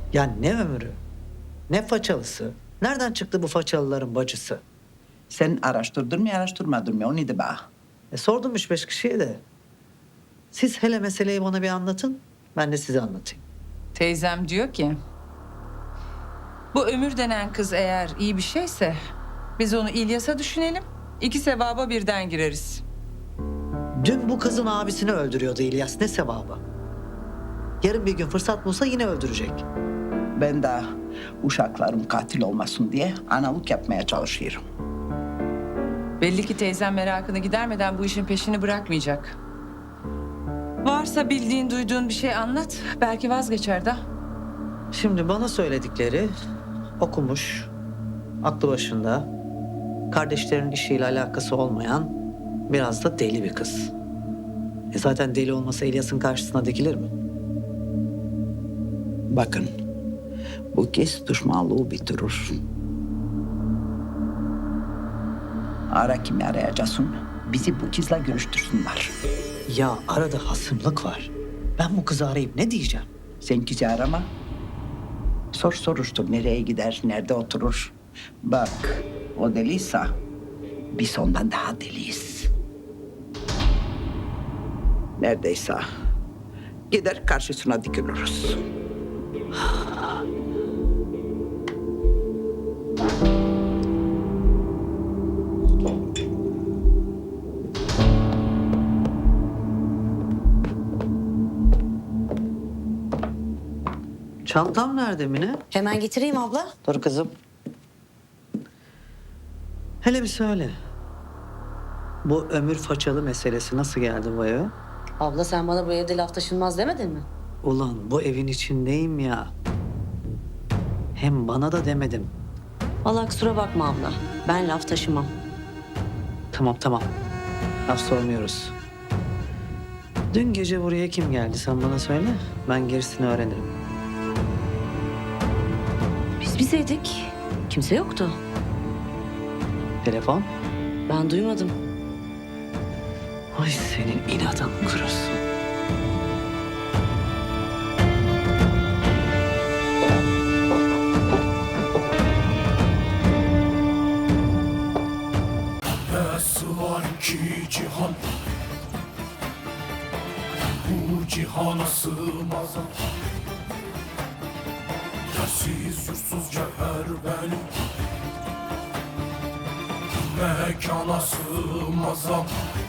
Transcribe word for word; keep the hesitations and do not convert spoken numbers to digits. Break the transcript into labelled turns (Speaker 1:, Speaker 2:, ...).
Speaker 1: Ya ne ömrü, ne façalısı. Nereden çıktı bu façalıların bacısı?
Speaker 2: Sen araştırdın mı araştırmadın mı onu de bana.
Speaker 1: E, sordum üç beş kişiye de. Siz hele meseleyi bana bir anlatın, ben de size anlatayım.
Speaker 3: Teyzem diyor ki... Bu Ömür denen kız eğer iyi bir şeyse... Biz onu İlyas'a düşünelim. İki sevaba birden gireriz.
Speaker 1: Dün bu kızın abisini öldürüyordu İlyas, ne sevabı? Yarın bir gün fırsat bulsa yine öldürecek.
Speaker 2: Ben de uşaklarım katil olmasın diye analık yapmaya çalışıyorum.
Speaker 3: Belli ki teyzem merakını gidermeden bu işin peşini bırakmayacak. Varsa bildiğin, duyduğun bir şey anlat. Belki vazgeçer de.
Speaker 1: Şimdi bana söyledikleri okumuş, aklı başında, kardeşlerinin işiyle alakası olmayan biraz da deli bir kız. E zaten deli olmasa İlyas'ın karşısına dikilir mi?
Speaker 2: Bakın, bu kez düşmanlığı bitirir. Ara kimi arayacaksın, bizi bu kızla görüştürsünler.
Speaker 1: Ya arada hasımlık var. Ben bu kızı arayıp ne diyeceğim?
Speaker 2: Sen kızı arama. Sor soruştur, nereye gider, nerede oturur. Bak, o deliyse biz ondan daha deliyiz. Neredeyse gider karşısına dikiliriz.
Speaker 1: Çantam nerede Mine?
Speaker 4: Hemen getireyim abla.
Speaker 1: Dur kızım. Hele bir söyle. Bu ömür façalı meselesi nasıl geldi bu eve?
Speaker 4: Abla sen bana bu evde laf taşınmaz demedin mi?
Speaker 1: Ulan bu evin içindeyim ya. Hem bana da demedim.
Speaker 4: Vallahi kusura bakma abla. Ben laf taşımam.
Speaker 1: Tamam tamam. Laf sormuyoruz. Dün gece buraya kim geldi sen bana söyle. Ben gerisini öğrenirim.
Speaker 4: Biz bizeydik. Kimse yoktu.
Speaker 1: Telefon?
Speaker 4: Ben duymadım.
Speaker 1: Ay senin inadın kurusun.
Speaker 5: Nasıl var ki cihan, bu cihana sığmaz. Yersiz yursuz cevher benim, mekana sığmaz.